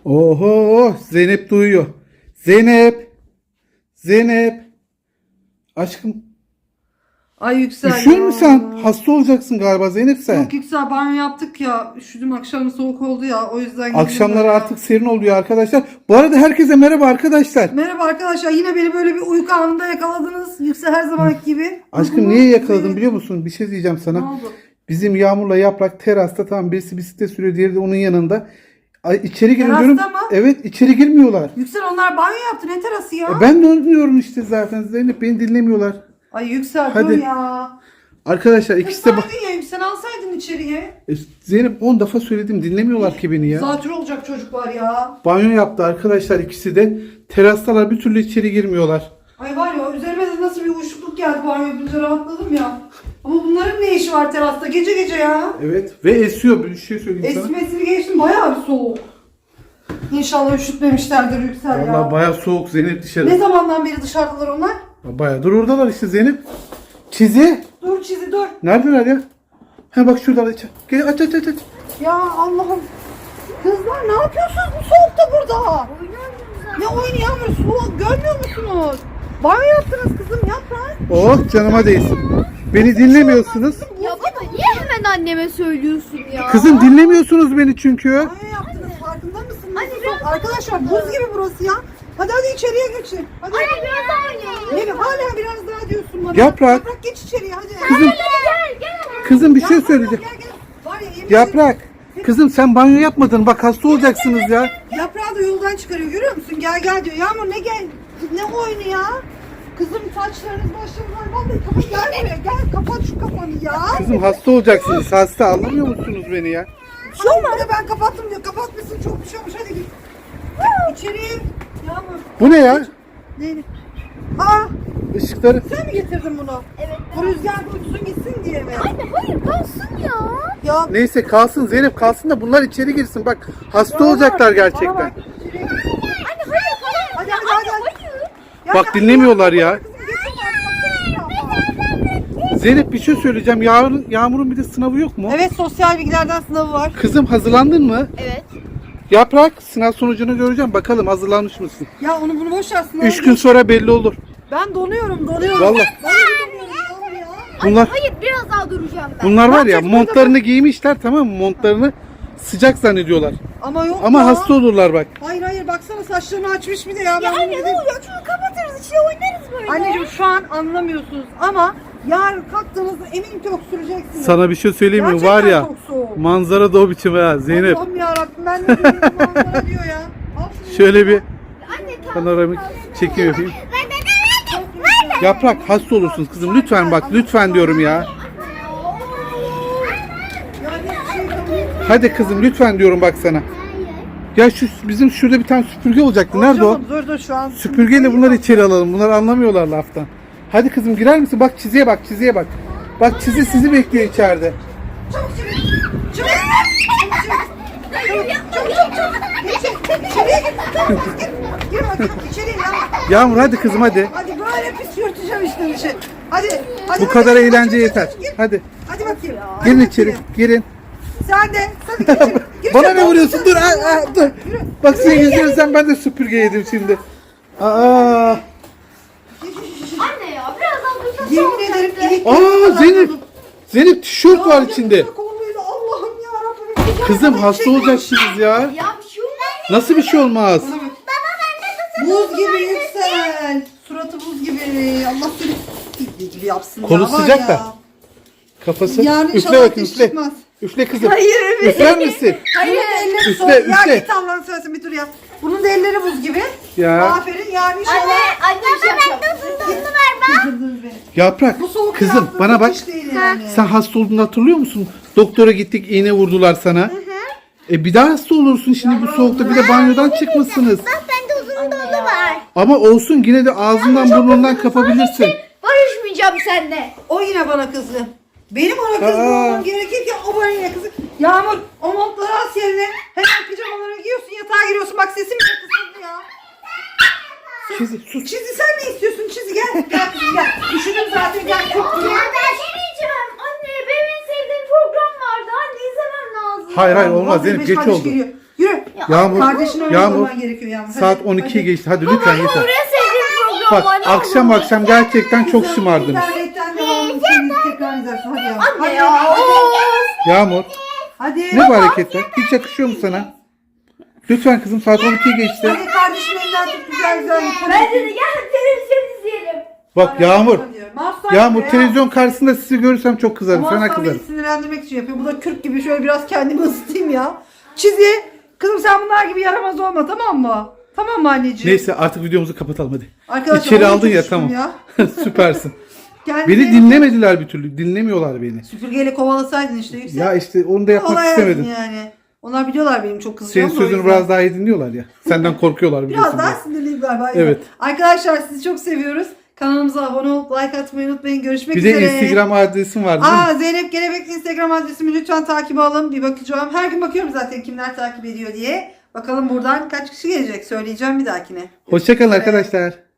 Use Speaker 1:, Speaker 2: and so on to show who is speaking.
Speaker 1: Oho, Zeynep duyuyor. Zeynep. Zeynep. Aşkım.
Speaker 2: Ay Yüksel
Speaker 1: Üşüyor
Speaker 2: ya.
Speaker 1: musun sen? Hasta olacaksın galiba Zeynep sen.
Speaker 2: Yok Yüksel, banyo yaptık ya. Üşüdüm, akşam soğuk oldu ya. O yüzden girdim
Speaker 1: Akşamları
Speaker 2: böyle ya.
Speaker 1: artık serin oluyor arkadaşlar. Bu arada herkese merhaba arkadaşlar.
Speaker 2: Merhaba arkadaşlar. Yine beni böyle bir uyku anında yakaladınız. Yüksel her zamanki gibi.
Speaker 1: Aşkım niye yakaladın biliyor musun? Bir şey diyeceğim
Speaker 2: Ne
Speaker 1: sana.
Speaker 2: oldu?
Speaker 1: Bizim Yağmur'la Yaprak terasta, tamam, birisi bisiklet sürüyor, diğeri de onun yanında. Ay, içeri girin
Speaker 2: Terasta
Speaker 1: diyorum.
Speaker 2: mı?
Speaker 1: Evet, içeri girmiyorlar.
Speaker 2: Yüksel, onlar banyo yaptı. Ne terası ya?
Speaker 1: Ben de onu diyorum işte zaten Zeynep, beni dinlemiyorlar.
Speaker 2: Ay Yüksel
Speaker 1: Hadi.
Speaker 2: dur ya.
Speaker 1: Arkadaşlar ikisi de
Speaker 2: Kızardın ya Yüksel, alsaydın içeriye.
Speaker 1: Zeynep 10 defa söyledim, dinlemiyorlar ki beni ya.
Speaker 2: Zatürre olacak çocuklar ya.
Speaker 1: Banyo yaptı arkadaşlar ikisi de. Terastalar bir türlü içeri girmiyorlar.
Speaker 2: Ay var ya, üzerime de nasıl bir uyuşukluk geldi banyo yapınca, rahatladım ya. Ama bunların ne işi var terasta gece gece ya?
Speaker 1: Evet ve esiyor, bir şey söyleyeyim sana.
Speaker 2: Esmesini geçtim, bayağı bir soğuk. İnşallah üşütmemişlerdir Yüksel ya.
Speaker 1: Vallahi bayağı soğuk Zeynep dışarı.
Speaker 2: Ne zamandan beri dışarıdalar onlar?
Speaker 1: Bayağı dur oradalar işte Zeynep. Çizi.
Speaker 2: Dur Çizi dur.
Speaker 1: Neredeler ya? Ha bak şuradalar içeri. Gel aç.
Speaker 2: Ya Allah'ım. Kızlar ne yapıyorsunuz bu soğukta burada? Ne oyunu Yağmur, soğuk görmüyor musunuz? Banyo yaptınız kızım, yaprak.
Speaker 1: Oh canıma değsin. Beni dinlemiyorsunuz.
Speaker 3: Ya baba niye hemen anneme söylüyorsun ya?
Speaker 1: Kızım dinlemiyorsunuz beni çünkü.
Speaker 2: Banyo yaptınız, farkında mısınız? Arkadaşlar buz gibi burası ya. Hadi içeriye geçin. Hadi.
Speaker 3: Anne biraz daha oynayalım.
Speaker 2: Ne, hala biraz daha diyorsun bana.
Speaker 1: Yaprak.
Speaker 2: Yaprak geç içeriye hadi.
Speaker 1: Kızım,
Speaker 3: Gel.
Speaker 1: kızım bir şey
Speaker 2: Yaprak,
Speaker 1: söyleyeceğim.
Speaker 2: Gel. Var ya, yemin
Speaker 1: Yaprak. Kızım sen banyo yapmadın. Bak hasta olacaksınız ya.
Speaker 2: Yaprağı da yoldan çıkarıyor, görüyor musun? Gel diyor. Yağmur ne gel? Ne oyunu ya? Kızım saçlarınız başlarınız var. Vallahi kapat, gel buraya. Gel kapat şu kafanı ya.
Speaker 1: Kızım hasta olacaksınız. Hasta, anlamıyor musunuz beni ya?
Speaker 2: Bir şey olmadı, ben kapattım diyor. Kapatmışsın, çok bir şey olmuş. Hadi git. İçeriye. Yağmur.
Speaker 1: Bu ne ya?
Speaker 2: Neydi? Aa,
Speaker 1: Işıkları.
Speaker 2: sen mi getirdin bunu?
Speaker 3: Evet.
Speaker 2: Bu rüzgar uçsun gitsin diye mi?
Speaker 3: Anne hayır kalsın ya.
Speaker 2: Ya
Speaker 1: Neyse kalsın Zeynep, kalsın da bunlar içeri girsin. Bak hasta olacaklar
Speaker 2: bana
Speaker 1: gerçekten.
Speaker 2: bak, içeriye.
Speaker 3: Anne hayır.
Speaker 2: Hadi. Ya,
Speaker 1: Bak dinlemiyorlar ya.
Speaker 2: Kızım, geçin artık.
Speaker 1: Zeynep bir şey söyleyeceğim. Yağmur'un bir de sınavı yok mu?
Speaker 2: Evet, sosyal bilgilerden sınavı var.
Speaker 1: Kızım hazırlandın mı?
Speaker 3: Evet.
Speaker 1: Yaprak, sınav sonucunu göreceğim. Bakalım hazırlanmış mısın?
Speaker 2: Ya onu bunu boş ver, sınavı.
Speaker 1: 3 gün sonra belli olur.
Speaker 2: Ben donuyorum.
Speaker 1: Vallahi.
Speaker 2: Vallahi donuyorum Yağmur ya.
Speaker 1: Bunlar
Speaker 3: Hayır biraz daha duracağım ben.
Speaker 1: bunlar var ya,
Speaker 2: yapacak
Speaker 1: montlarını giymişler, tamam mı? Montlarını sıcak zannediyorlar.
Speaker 2: Ama yok
Speaker 1: Ama
Speaker 2: ya.
Speaker 1: hasta olurlar bak.
Speaker 2: Hayır baksana, saçlarını açmış bir de ya.
Speaker 3: Ya
Speaker 2: Ben bunu
Speaker 3: anne
Speaker 2: bir
Speaker 3: ne
Speaker 2: de-
Speaker 3: oluyor? Şunu kapatırız içine oynarız böyle.
Speaker 2: Anneciğim şu an anlamıyorsunuz ama yarın kalktığınızda eminim ki öksüreceksiniz.
Speaker 1: Sana bir şey söyleyeyim mi?
Speaker 2: Gerçekten
Speaker 1: Var ya,
Speaker 2: çok soğuk.
Speaker 1: manzara da o biçim ha Zeynep.
Speaker 2: Allah'ım yarabbim, ben ne diyorum, manzara diyor ya. Al şunu.
Speaker 1: Şöyle bir
Speaker 3: Anne
Speaker 1: panoramik çekim yapayım. Yaprak, hasta olursunuz kızım. Lütfen bak, lütfen diyorum ya.
Speaker 2: Ya hiçbir şey yapamıyorum.
Speaker 1: Hadi kızım lütfen diyorum bak sana. Ya şu bizim şurada bir tane süpürge olacaktı. Nerede o?
Speaker 2: Dur şu an.
Speaker 1: Süpürgeyle bunları içeri alalım. Bunlar anlamıyorlar laftan. Hadi kızım girer misin? Bak çiziye bak, çiziye bak. Bak çizi sizi bekliyor içeride.
Speaker 2: Çabuk içeri. Çabuk. İçeriye git. Çabuk git. Gir bakayım içeriye ya.
Speaker 1: Yağmur hadi kızım hadi.
Speaker 2: Hadi böyle pis yırtacağım işte bir şey. Hadi.
Speaker 1: Bu kadar eğlence yeter. Hadi.
Speaker 2: Hadi bakayım.
Speaker 1: Girin
Speaker 2: Hadi
Speaker 1: içeri.
Speaker 2: bakayım.
Speaker 1: Girin.
Speaker 2: Sen de. Sen de gir içeri. Gir
Speaker 1: Bana
Speaker 2: içeri.
Speaker 1: ne vuruyorsun? Dur. Dur. Bak senin yüzünden ben de süpürge yedim şimdi. Aa.
Speaker 3: Anne ya biraz daha dursak
Speaker 2: Yemin ederim ilik.
Speaker 1: Aa Zeynep. Zeynep tişört var içinde.
Speaker 2: Allah'ım yarabbim.
Speaker 1: Kızım hasta olacaksınız ya.
Speaker 3: Ya bir şey olmaz.
Speaker 1: Nasıl bir şey olmaz?
Speaker 2: Buz gibi Yüksel. Suratı buz gibi. Allah seni bildiği gibi yapsın.
Speaker 1: Kolu
Speaker 2: ya, var
Speaker 1: sıcak
Speaker 2: ya.
Speaker 1: da. Kafası.
Speaker 2: Yani
Speaker 1: Üfle
Speaker 2: inşallah
Speaker 1: bakayım
Speaker 2: ateş
Speaker 1: üfle.
Speaker 2: çıkmaz.
Speaker 1: Üfle kızım.
Speaker 2: Hayır, evet.
Speaker 1: Üfler misin?
Speaker 2: Hayır. Elleri
Speaker 1: Üfle,
Speaker 2: soğuk. Ya
Speaker 1: üfle.
Speaker 2: git Allah'ını seversen bir dur ya. Bunun da elleri buz gibi.
Speaker 1: Ya.
Speaker 2: Aferin yani inşallah.
Speaker 3: Anne bir şey yapacağım.
Speaker 2: Kızdırdınız beni.
Speaker 1: Yaprak.
Speaker 2: Bu soğuk
Speaker 1: Kızım
Speaker 2: yaptığınız
Speaker 1: bana bak.
Speaker 2: iş değil yani.
Speaker 1: Sen hasta olduğunu hatırlıyor musun? Doktora gittik, iğne vurdular sana. Bir daha hasta olursun şimdi bu soğukta, bir de banyodan çıkmışsınız.
Speaker 3: Bak bende uzun dolu var.
Speaker 1: Ama olsun, yine de ağzından burnundan kapabilirsin.
Speaker 3: Barışmayacağım seninle.
Speaker 2: O yine bana kızdı. Benim ona
Speaker 1: Aa.
Speaker 2: kızmamam gerekirken o bana yine kızdı. Yağmur, o montları as yerine. Hemen pijamalara giyiyorsun, yatağa giriyorsun. Bak sesim de kısıldı ya.
Speaker 1: Çizi sus.
Speaker 2: Çizi sen ne istiyorsun? Çizi gel. Gel kızım gel. Üşüdüm zaten, gel. Çok
Speaker 3: Ya ben yemeyeceğim. Anne benim en sevdiğim program vardı. Anne izlemem lazım.
Speaker 1: Hayır olmaz
Speaker 2: Vallahi
Speaker 1: Zeynep,
Speaker 2: beş
Speaker 1: geç
Speaker 2: kardeş
Speaker 1: oldu.
Speaker 2: geliyor. Yürü.
Speaker 1: Yağmur,
Speaker 2: Kardeşini öyle
Speaker 1: Yağmur.
Speaker 2: olman gerekiyor Yağmur.
Speaker 1: Saat
Speaker 2: Hadi,
Speaker 1: 12'yi
Speaker 2: hadi.
Speaker 1: geçti. Hadi lütfen yeter.
Speaker 3: Buraya sevdiğim program
Speaker 1: Bak
Speaker 3: var.
Speaker 1: akşam akşam gerçekten çok
Speaker 2: Kızım,
Speaker 1: şımardınız.
Speaker 2: İnternetten devamlı seni tekrar izlersin. Hadi Yağmur.
Speaker 3: Anne
Speaker 2: Hadi.
Speaker 3: ya.
Speaker 1: Yağmur
Speaker 2: Hadi.
Speaker 1: ne bu hareketler? Hiç yakışıyor mu sana? Lütfen kızım saat 12'yi geçti.
Speaker 2: Hadi kardeşim elinden tut güzel güzel.
Speaker 3: Bence de gel televizyon izleyelim.
Speaker 1: Bak Yağmur.
Speaker 2: Mahsun
Speaker 1: Yağmur
Speaker 2: ya.
Speaker 1: televizyon karşısında sizi görürsem çok kızarım. Sana
Speaker 2: Mahsun beni
Speaker 1: kızarım.
Speaker 2: sinirlendirmek için yapıyor. Bu da kürk gibi şöyle biraz kendimi ısıtayım ya. Çizi. Kızım sen bunlar gibi yaramaz olma tamam mı? Tamam mı anneciğim?
Speaker 1: Neyse artık videomuzu kapatalım hadi.
Speaker 2: Arkadaşlar,
Speaker 1: İçeri
Speaker 2: onu
Speaker 1: aldın ya
Speaker 2: tutmuştum
Speaker 1: tamam.
Speaker 2: ya.
Speaker 1: Süpersin.
Speaker 2: Kendine-
Speaker 1: Beni dinlemediler bir türlü. Dinlemiyorlar beni.
Speaker 2: Süpürgeyle kovalasaydın işte yüksek.
Speaker 1: Ya işte onu da yapmak
Speaker 2: Kovalayaydın
Speaker 1: istemedim.
Speaker 2: yani. Onlar biliyorlar benim çok kızacağım.
Speaker 1: Senin
Speaker 2: da o
Speaker 1: sözünü
Speaker 2: yüzden.
Speaker 1: biraz daha iyi dinliyorlar ya. Senden korkuyorlar biliyorsun.
Speaker 2: Biraz daha
Speaker 1: biraz.
Speaker 2: sinirliyim galiba.
Speaker 1: Evet.
Speaker 2: Arkadaşlar sizi çok seviyoruz. Kanalımıza abone olup like atmayı unutmayın. Görüşmek
Speaker 1: Bir
Speaker 2: üzere.
Speaker 1: de Instagram adresim var değil mi?
Speaker 2: Aa, Zeynep Gelebek Instagram adresimi lütfen takip alın. Bir bakacağım. Her gün bakıyorum zaten kimler takip ediyor diye. Bakalım buradan kaç kişi gelecek. Söyleyeceğim bir dahakine.
Speaker 1: Hoşçakalın arkadaşlar.